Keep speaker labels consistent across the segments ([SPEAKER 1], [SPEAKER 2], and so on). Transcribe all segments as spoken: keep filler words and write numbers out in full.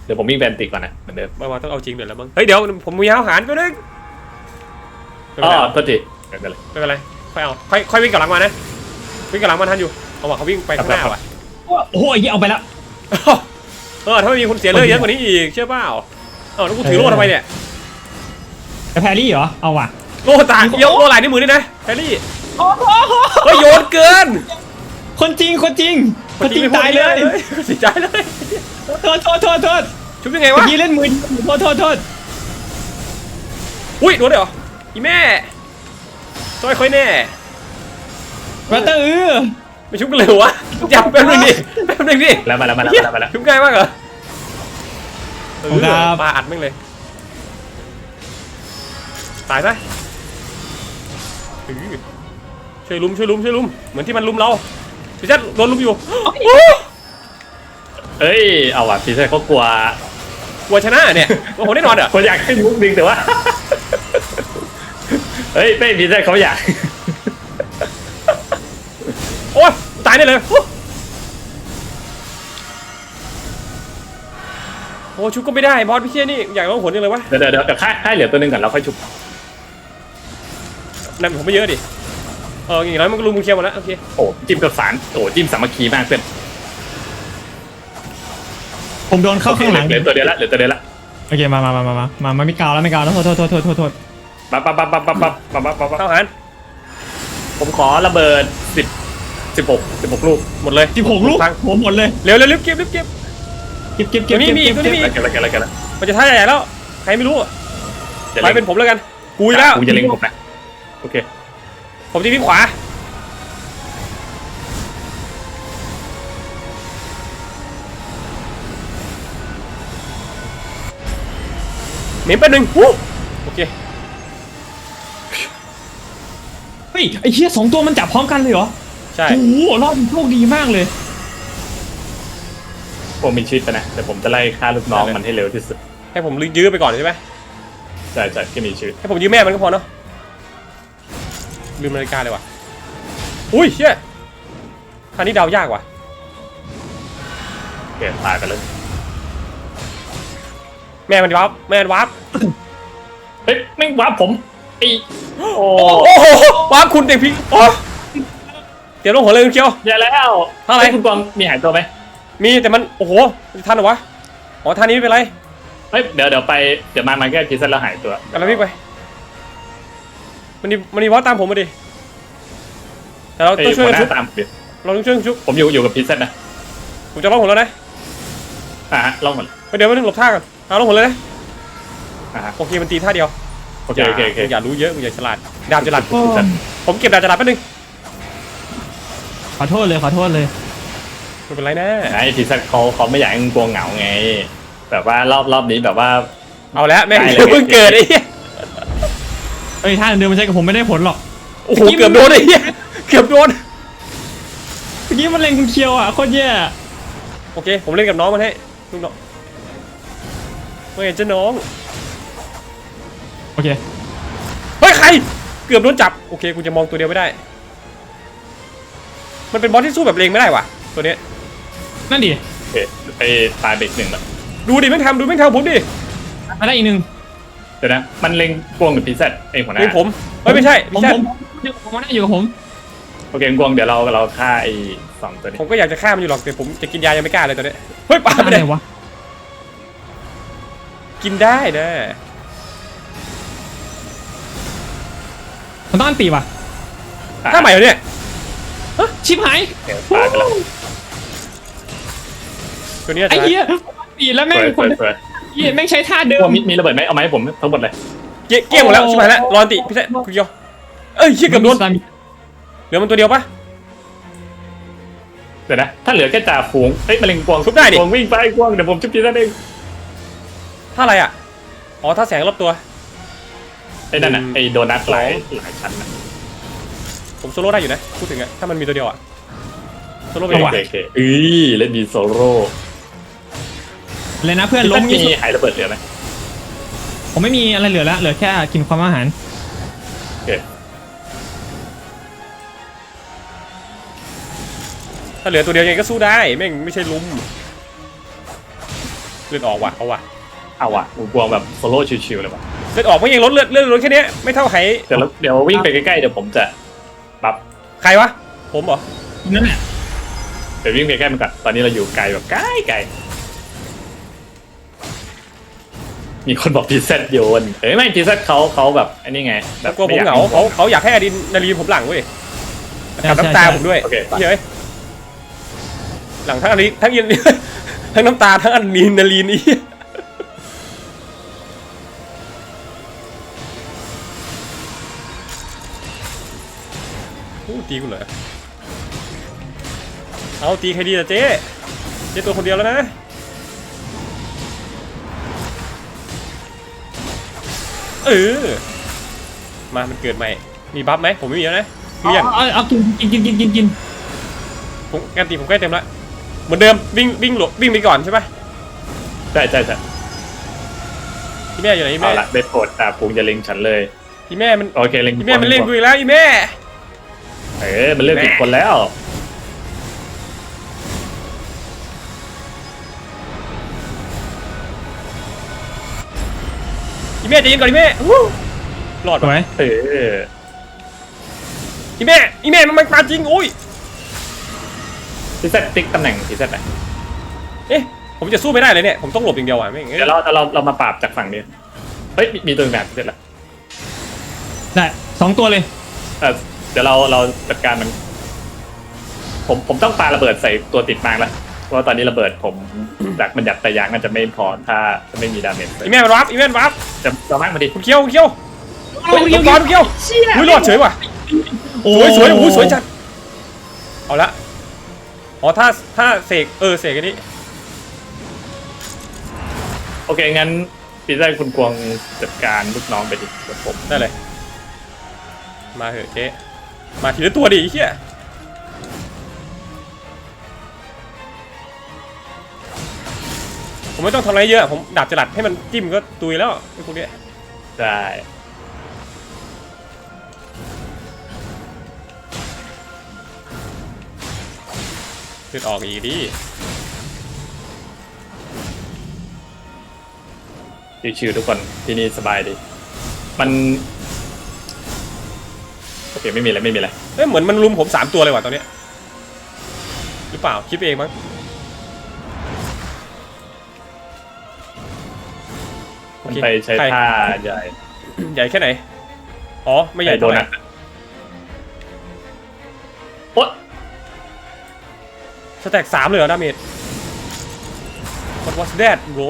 [SPEAKER 1] เดี๋ยวผมวิ่งแบนติก่อนนะเหมือนเดิม
[SPEAKER 2] มาว่าต้องเอาจริงเดี๋ยวแล้วมั้งเฮ้ยเดี๋ยวผมมีอาหารไปนึง
[SPEAKER 1] อ๋อโทษทีไม่เป็นไร
[SPEAKER 2] ไม่เป็นไรค่อยเอาค่อยค่อยวิ่งกลับหลังมานะวิ่งกลับหลังมาทันอยู่เอาว่ะเขาวิ่งไปข้างหน้าว่ะ
[SPEAKER 3] โอ้โหไอ้เหี้ยเอาไปแล้ว
[SPEAKER 2] เออถ้าไม่มีคนเสียเลือดเยอะกว่านี้อีกเชื่อเปล่าเออแล้วกูถือโล่ทำไมเนี่ย
[SPEAKER 3] แพรรี่เหรอเอาว่ะ
[SPEAKER 2] โล่ตายเยอะโล่หลายนิ้วมือนี่นะแพรรี่เฮ้ยโยนเกิน
[SPEAKER 3] คนจริงคนจริงคนจริงตายเลย
[SPEAKER 2] เสียใจเลย
[SPEAKER 3] โทษโทษโทษโทษ
[SPEAKER 2] ชุบยังไงวะ
[SPEAKER 3] ยี่เล่นมือโทษโทษโทษ
[SPEAKER 2] อุ้ยโดนเลยเหรออีแม่ช่วยค่อยแน่
[SPEAKER 3] มาเตอร์เออ
[SPEAKER 2] ไม่ชุบกันเลยวะจับแป๊บนึงดิแป๊บนึงดิ
[SPEAKER 1] แล้วมาแล้วมาแล้วมาแล้ว
[SPEAKER 2] ชุบง่ายมากเหรอเออปลาอัดแม่งเลยตายซะช่วยลุมช่วยลุมช่วยลุมเหมือนที่มันลุมเราพี่จัดโดนลุมอยู่
[SPEAKER 1] เฮ้ยเอาว่ะพี่ชายเขากลัว
[SPEAKER 2] กลัวชนะเนี่ยโอ้โหแน่นอนอ่ะ
[SPEAKER 1] คนอยากให้มุกดึงแต่ว่าเฮ้ยเป้พี่ชายเขาอยาก
[SPEAKER 2] โอ้ยตายได้เลยโอ้ชุบก็ไม่ได้บอสพี่เชี่ยนี่อยากลองผลยังเลยวะ
[SPEAKER 1] เดี๋ยวเดี๋ยวเดี๋ยวค่ายค่ายเหลือตัวนึงก่อนเราค่อยชุบ
[SPEAKER 2] นั่นผมไม่เยอะดิเอออย่างน้อยมันก็ลุมมึงเคลียร์หมดแล้วโอเค
[SPEAKER 1] โอ้จิ้มกับสารโอ้จิ้มสามัคคีมากเพื่อน
[SPEAKER 3] ผมโดนเข้าข้างหลัง
[SPEAKER 1] เหลือตัวเดียวละเหลือตัวเดียวละ
[SPEAKER 3] โอเคมามามามามามามาไม่กาวแล้วไม่กาวแล้วโทษโทษโทษโทษโทษโทษ
[SPEAKER 1] ปั๊บปั๊บปั๊บปั๊บปั๊บปั๊บปั๊บปั๊บปั๊บ
[SPEAKER 2] เข้าหัน
[SPEAKER 1] ผมขอระเบิดสิบสิบหกสิบหกลูก
[SPEAKER 2] หมดเลย
[SPEAKER 3] สิบหกลูกผมหมดเลย
[SPEAKER 2] เร็วเร็วรีบเก็บรีบเก็บ
[SPEAKER 3] เก็บเก็บเก็บ
[SPEAKER 2] นี่มีอีกนี่มีอีก
[SPEAKER 1] เก็บอะไรเก็บอะไรเก็บอะไร
[SPEAKER 2] มันจะท่าใหญ่แล้วใครไม่รู้ไปเป็นผมแล้วกันกูแล้ว
[SPEAKER 1] กูจะเล็งผมนะโอเค
[SPEAKER 2] ผมจะวิ่งขวาหนีไปหนึ่งโอเค
[SPEAKER 3] เฮ้ยไอ้เหี้ยสองตัวมันจับพร้อมกันเลยเหรอ
[SPEAKER 2] ใช่
[SPEAKER 3] โอ้โหรอบโชคดีมากเลย
[SPEAKER 1] ผมมีชีวิตนะแต่ผมจะไล่ฆ่าลูกน้องมันให้เร็วที่สุด
[SPEAKER 2] ให้ผมยื้อไปก่อนใช่ไหม
[SPEAKER 1] ใช่ใช่แค่มีชีวิต
[SPEAKER 2] ให้ผมยื้อแม่มันก็พอเนาะลืมนาฬิกาเลยว่ะอุ้ยเชี่ยคราวนี้เดายากว่ะ
[SPEAKER 1] เปลี่ยนตายไปเลย
[SPEAKER 2] แม่มันวับแม่มันวับ
[SPEAKER 1] เฮ้ยไม่วับผมไอโอ้
[SPEAKER 2] โหวับคุณเด็กพี่โอ้เดี๋ยวลงหัวเลยคุณเคียว
[SPEAKER 1] อย่าแล้ว
[SPEAKER 2] ท่าอะไร
[SPEAKER 1] คุณกวางมีหายตัวไหม
[SPEAKER 2] มีแต่มันโอ้โหทันเหรอวะอ๋อท่านี้ไม่เป็นไร
[SPEAKER 1] เฮ้ยเดี๋ยวเดี๋ยวไปเดี๋ยวมามาแค่พิซซ่าแล้วหายตัว
[SPEAKER 2] กันแล้วพี่ไปมันนี่มันนี่วับตามผมมาดิแต่เราต้องช่วยกันชุบเราต้องช่วยกันชุบ
[SPEAKER 1] ผมอยู่อยู่กับพิซซ่านะ
[SPEAKER 2] ผมจะล่องหัวแล้วนะ
[SPEAKER 1] อ่าฮะล่องหัว
[SPEAKER 2] เดี๋ยวไม่ต้องหลบท่ากันเอาล่องหัวเลยนะโอเคมันตีท่าเดียว
[SPEAKER 1] โอเคโอเคโอเค
[SPEAKER 2] อย่ารู้เยอะอย่าฉลาดดาบฉลาดผมเก็บดาบฉลาดแป๊บนึง
[SPEAKER 3] ขอโทษเลยขอโทษเลย
[SPEAKER 2] ไม่เป็นไรนะ
[SPEAKER 1] ไอ้พิซซ่าเขาเขาไม่อยากให้มึงกลัวเหงาไงแบบว่ารอบรอบนี้แบบว่า
[SPEAKER 2] เอาแล้วแม่งเพิ่งเกิดไอ้
[SPEAKER 3] เฮ้ยท่าเดิมมันใช้กับผมไม่ได้ผลหรอก
[SPEAKER 2] โอ้โหเกือบโดนไอ้เกือบโดน
[SPEAKER 3] เมื่อกี้มันเล็งคุณเคียวอ่ะโคตรแย่
[SPEAKER 2] โอเคผมเล่นกับน้องมันให้ลูกน้องไม่เห็นจะน้อง
[SPEAKER 3] โอเค
[SPEAKER 2] เฮ้ยใครเกือบโดนจับโอเคกูจะมองตัวเดียวไม่ได้มันเป็นบอสที่สู้แบบเลงไม่ได้ว่ะตัวนี้
[SPEAKER 3] นั่นดิ
[SPEAKER 1] โอเคไปตายเบรกหนึ่งแล้ว
[SPEAKER 2] ดูดิแม่งทำดูแม่งทำผมดิ
[SPEAKER 3] มาได้อีกหนึ่ง
[SPEAKER 1] เดี๋ยวนะมันเล็งกวงหรือพิซซ่าไอ้หัวหน้า
[SPEAKER 2] เป็นผมเฮ้ยไม่ใช่
[SPEAKER 3] ผมผมผมมาได้อยู่กับผม
[SPEAKER 1] โอเคกวงเดี๋ยวเราเราฆ่าไอ้สองตัวนี้
[SPEAKER 2] ผมก็อยากจะฆ่ามันอยู่หรอกแต่ผมจะกินยายังไม่กล้าเลยตอนนี้เฮ้ยปาไม่ได้
[SPEAKER 3] วะ
[SPEAKER 2] กินได้นะ
[SPEAKER 3] มันต้องอันตีว่ะ
[SPEAKER 2] ถ้าใหม่เหรอเนี่ย
[SPEAKER 3] ชิบหาย
[SPEAKER 1] ตายไปแล้ว
[SPEAKER 2] ตัวนี้
[SPEAKER 3] ไอ้เหี้ยตีแล้วแม่งคนเหี้ยแม่งใช้ท่าเดิม
[SPEAKER 1] มีมีระเบิดไหมเอาไหมผมทั้งหมดเลย
[SPEAKER 2] เกี้ยเกี้ยหมดแล้วชิบหายแล้วรอติพี่แท้คุณเกียวเอ้ยเชี่ยเกือบโดนเหลือมันตัวเดียวปะ
[SPEAKER 1] เดี๋ยวนะถ้าเหลือแค่จ่าฝูงเอ้ยมะเร็งกวง
[SPEAKER 2] ชุบได้ดิ
[SPEAKER 1] กวงวิ่งไปกวงเดี๋ยวผมชุบทีนั่นเอง
[SPEAKER 2] ท่าอะไรอ่ะอ๋อท่าแสงรอบตัว
[SPEAKER 1] ไอ้นั่นน่ะไอ้โดนัทหลายหลายชั้นนะ
[SPEAKER 2] ผมโซโล่ได้อยู่นะพูดถึงอะถ้ามันมีตัวเดียวอะโซโล่ไป
[SPEAKER 1] ว่ะโอเคเอ้ยเล่นดีโซโล่
[SPEAKER 3] เลยนะเพื่อนล้ม
[SPEAKER 1] มีหายระเบิดเหลือไหม
[SPEAKER 3] ผมไม่มีอะไรเหลือแล้วเหลือแค่กินความอาหาร
[SPEAKER 1] โอเค
[SPEAKER 2] ถ้าเหลือตัวเดียวยังไงก็สู้ได้แม่งไม่ใช่ลุมเลือดออกว่ะเอาว่ะ
[SPEAKER 1] เอาว่ะกูกลัวแบบโซโล่ชิวๆเลยว่ะ
[SPEAKER 2] เลือดออกไม่ยังลดเลือดเลือดลดแค่นี้ไม่เท่าไห
[SPEAKER 1] เดี๋ยวเดี๋ยววิ่งไปใกล้ๆเดี๋ยวผมจะปรับ
[SPEAKER 2] ใครวะผมเหรอ
[SPEAKER 3] นั่นแหละ
[SPEAKER 1] เดี๋ยววิ่งไปใกล้มันก่อนตอนนี้เราอยู่ไกลแบบไกลไกลมีคนบอกพีเซตโยนเอ้ยไม่พีเซตเขาเขาแบบอันนี้ไงแบบ
[SPEAKER 2] กลัวผมเหงาเขาเขาอยากให้อดินนารีผมหลังเว้ยกับน้ำตาผมด้วยเฮ้ยหลังทั้งอดินทั้งยินทั้งน้ำตาทั้งอดินนารีนี่โอ้ตีกูเหรอเอาตีใครดีล่ะเจ๊เจ๊ตัวคนเดียวแล้วนะเออมามันเกิดใหม่มีบัฟไหมผมไม่มีแล้วนะเกลี้ยง
[SPEAKER 3] เอาเอากินกินกินกินกินกิน
[SPEAKER 2] ผมการตีผมใกล้เต็มแล้วเหมือนเดิมวิ่งวิ่งหลบวิ่งไปก่อนใช่ปะ
[SPEAKER 1] ใช่ใช่ใช่
[SPEAKER 2] พี่แม่อยู่ไหนพี่
[SPEAKER 1] เอา
[SPEAKER 2] แม่
[SPEAKER 1] ละได้โปรดตาพุงจะเล็งฉันเลย
[SPEAKER 2] พี่แม่มัน
[SPEAKER 1] โอเคเล็ง
[SPEAKER 2] พี่แม่มันเล่นกูอีกแล้วพี่แม่
[SPEAKER 1] เออมันเลือกผิดคนแล้ว
[SPEAKER 2] พี่แม่ใจเย็นก่อนพี่แม่วู้รอด
[SPEAKER 3] สว
[SPEAKER 2] ปะ
[SPEAKER 3] ย
[SPEAKER 1] เออ
[SPEAKER 2] พี่แม่พี่แม่มันมาจริงโอ้ย
[SPEAKER 1] พีเซตติ๊กตำแหน่งพีเซตไหน
[SPEAKER 2] เอ๊ะผมจะสู้ไม่ได้เลยเนี่ยผมต้องหลบอย่างเดียวอ่ะไม่งั้น
[SPEAKER 1] เดี๋ยวเราเราเรามาปราบจากฝั่งนี้เฮ้ยมีมีตัวหนึ่งแบบพีเซตละ
[SPEAKER 3] ได้สองตัวเลย
[SPEAKER 1] เออเดี๋ยวเราเราจัดการมัน ผมผมต้องปาระเบิดใส่ตัวติดมางแล้วเพราะว่าตอนนี้ระเบิดผมจากมันหยัดแต่ยางน่าจะไม่พอถ้าจะไม่มีดาเมจ
[SPEAKER 2] พี่แม่มันวับพี่แม่มันวับ
[SPEAKER 1] จะจะมากมาดิ
[SPEAKER 2] คุณเคียวคุณเคียวโอ้ยคุณเคียวคุณเคียวอุ้ยรอดเฉยว่ะ
[SPEAKER 3] โอ้
[SPEAKER 2] สวยสวยโอ้ยสวยจัดเอาละอ๋อถ้าถ้าเสกเออเสกอันนี้
[SPEAKER 1] โอเคงั้นพีเซตคุณกวงจัดการลูกน้องไปดิเดี๋ยวผม
[SPEAKER 2] ได้เลยมาเถอะเจ๊มาทีละตัวดิไอ้เหี้ยผมไม่ต้องทำอะไรเยอะผมดาบจลัดให้มันจิ้มก็ตุยแล้วไอ้พวกเนี้ย
[SPEAKER 1] ได้
[SPEAKER 2] เลือดออกอีกดิ
[SPEAKER 1] ชิวๆทุกคนที่นี่สบายดี มันโอเคไม่มีอะไรไม่มีอะไร
[SPEAKER 2] เอ้ยเหมือนมันลุมผมสามตัวเลยว่ะตอนเนี้ยหรือเปล่าคิดเองมั้ง
[SPEAKER 1] มันไปใช้ท่าใหญ่
[SPEAKER 2] ใหญ่แค่ไหนอ๋อไม่ใหญ่
[SPEAKER 1] โด
[SPEAKER 2] เท่าไหร่
[SPEAKER 1] นัทโอ๊ะ
[SPEAKER 2] สแต็กสามเลยเหรอดาเมจ What was that bro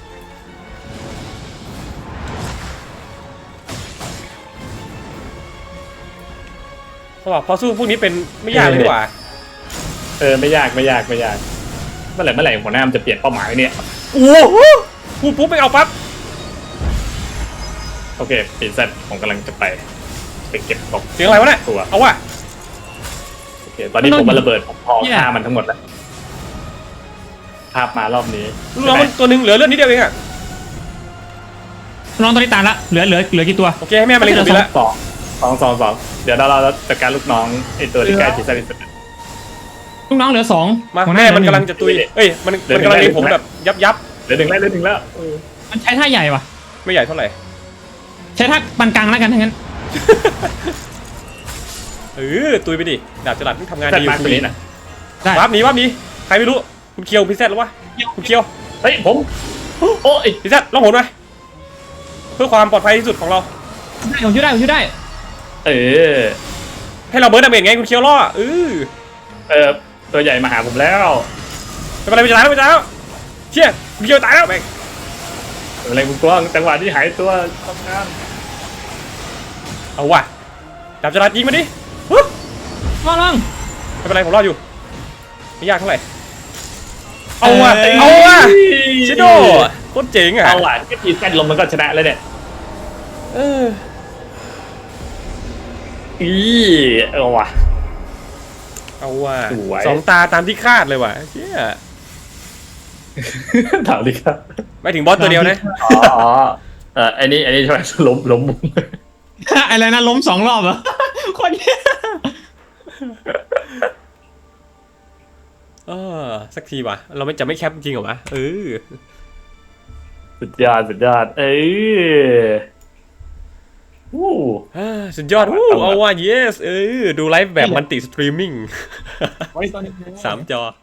[SPEAKER 2] เพราะว่าพอสู้พวกนี้เป็นไม่ยากเลยดีกว่า
[SPEAKER 1] เออไม่ยากไม่ยากไม่ยากเมื่อไหร่เมื่อไหร่หัวหน้ามันจะเปลี่ยนเป้าหมายเนี่ย
[SPEAKER 2] โอ้โหพูดปุ๊บไปเอาปั๊บ
[SPEAKER 1] โอเคปีเซตผมกำลังจะไปไปเก็บตก
[SPEAKER 2] เสียงอะไรวะเนี่ย
[SPEAKER 1] ตัว
[SPEAKER 2] เอาว่ะ
[SPEAKER 1] โอเคตอนนี้ผมมาระเบิดผมพอฆ่ามันทั้งหมดแล้วภาพมารอบนี้
[SPEAKER 2] ลูกน้องมันตัวหนึงเหลือเลือดนิดเดียวเองอะ
[SPEAKER 3] น้องตัวนี้ตายละเหลือเหลือเหลือกี่ตัว
[SPEAKER 2] โอเคให้แม่มาเล่นกับพี่ละ
[SPEAKER 1] สองสองสองสองเดี๋ยวเราเราจัดการลูกน้องไอตัวที่ใกล้ที่สุดที่สุด
[SPEAKER 3] ลูกน้องเหลือสอง
[SPEAKER 2] มา
[SPEAKER 3] หัวห
[SPEAKER 2] แม่
[SPEAKER 3] น้า
[SPEAKER 2] มัน
[SPEAKER 3] เหลื
[SPEAKER 2] กำ
[SPEAKER 3] อ
[SPEAKER 2] ลัง
[SPEAKER 3] หนึ่
[SPEAKER 2] จะตุยเอ้ยมันมันกำลังเล็งผมแบบยับยับ
[SPEAKER 1] เหลือหนึ่งแล้วเหลือหนึ่งแล้วเออ
[SPEAKER 3] มันใช้ท่าใหญ่ว่ะ
[SPEAKER 2] ไม่ใหญ่เท่าไหร่
[SPEAKER 3] ใช้ท่าปานกลางแล้วกันทั้างนั้น
[SPEAKER 2] เออตุยไปดิดาบจลัดมันทำงาน
[SPEAKER 1] แซด
[SPEAKER 2] ดี
[SPEAKER 1] มาร์กตัวนี้นะ
[SPEAKER 3] ได้
[SPEAKER 2] วับหนีวับหนีใครไม่รู้คุณเคียวพิเศษหรอวะคุณเคียว
[SPEAKER 1] เฮ้ยผมโอ้ย
[SPEAKER 2] พิเศษลองหนไหมเพื่อความปลอดภัยที่สุดของเรา
[SPEAKER 3] ได้ผมช่วยได้ผมช่วยได้
[SPEAKER 1] เออ
[SPEAKER 2] ให้เราเบิร์ดดาเมจไงคุณเคียวล่อเออ
[SPEAKER 1] เออตัวใหญ่มาหาผมแล้ว
[SPEAKER 2] ไม่เป็นไรไม่เป็นไรไม่เป็นไรแล้วเชี่ยคุณเคียวตายแล้วแม่ง
[SPEAKER 1] อะไรคุณกว้างจังหวะที่หายตัวทำงาน
[SPEAKER 2] เอาว่ะดาบจลัดยิงมาดิฮึ
[SPEAKER 3] ลองลอง
[SPEAKER 2] ไม่เป็นไรผมรออยู่ไม่ยากเท่าไหร่เอาว่ะเอาว่ะชิโดโคตรเจ๋งอ่ะ
[SPEAKER 1] เอาหวานก็ทีเส้นลมมันก็ชนะแล้วเนี่ย
[SPEAKER 2] เออ
[SPEAKER 1] อีเออว่ะ
[SPEAKER 2] เอาว่ะ
[SPEAKER 1] สวย
[SPEAKER 2] สองตาตามที่คาดเลยว่ะเชี่ย
[SPEAKER 1] ถามดิครับ
[SPEAKER 2] ไม่ถึงบอสตัวเดียวนะ
[SPEAKER 1] อ๋ออ๋อเอออันนี้อันนี้ใช่ไหมล้มล้มมุม
[SPEAKER 3] อะไรนะล้มสองรอบเหรอ คนเนี้ย
[SPEAKER 2] เออสักทีว่ะเราไม่จะไม่แคปจริงเหรอวะเออ
[SPEAKER 1] สุดยอดสุดยอดเอ้ยวู้
[SPEAKER 2] อ่าสุดยอดวู้เอาว่า yes เออดูไลฟ์แบบมันติสตรีมมิ่ง
[SPEAKER 3] ไว้ตอนนี้
[SPEAKER 2] สามจอ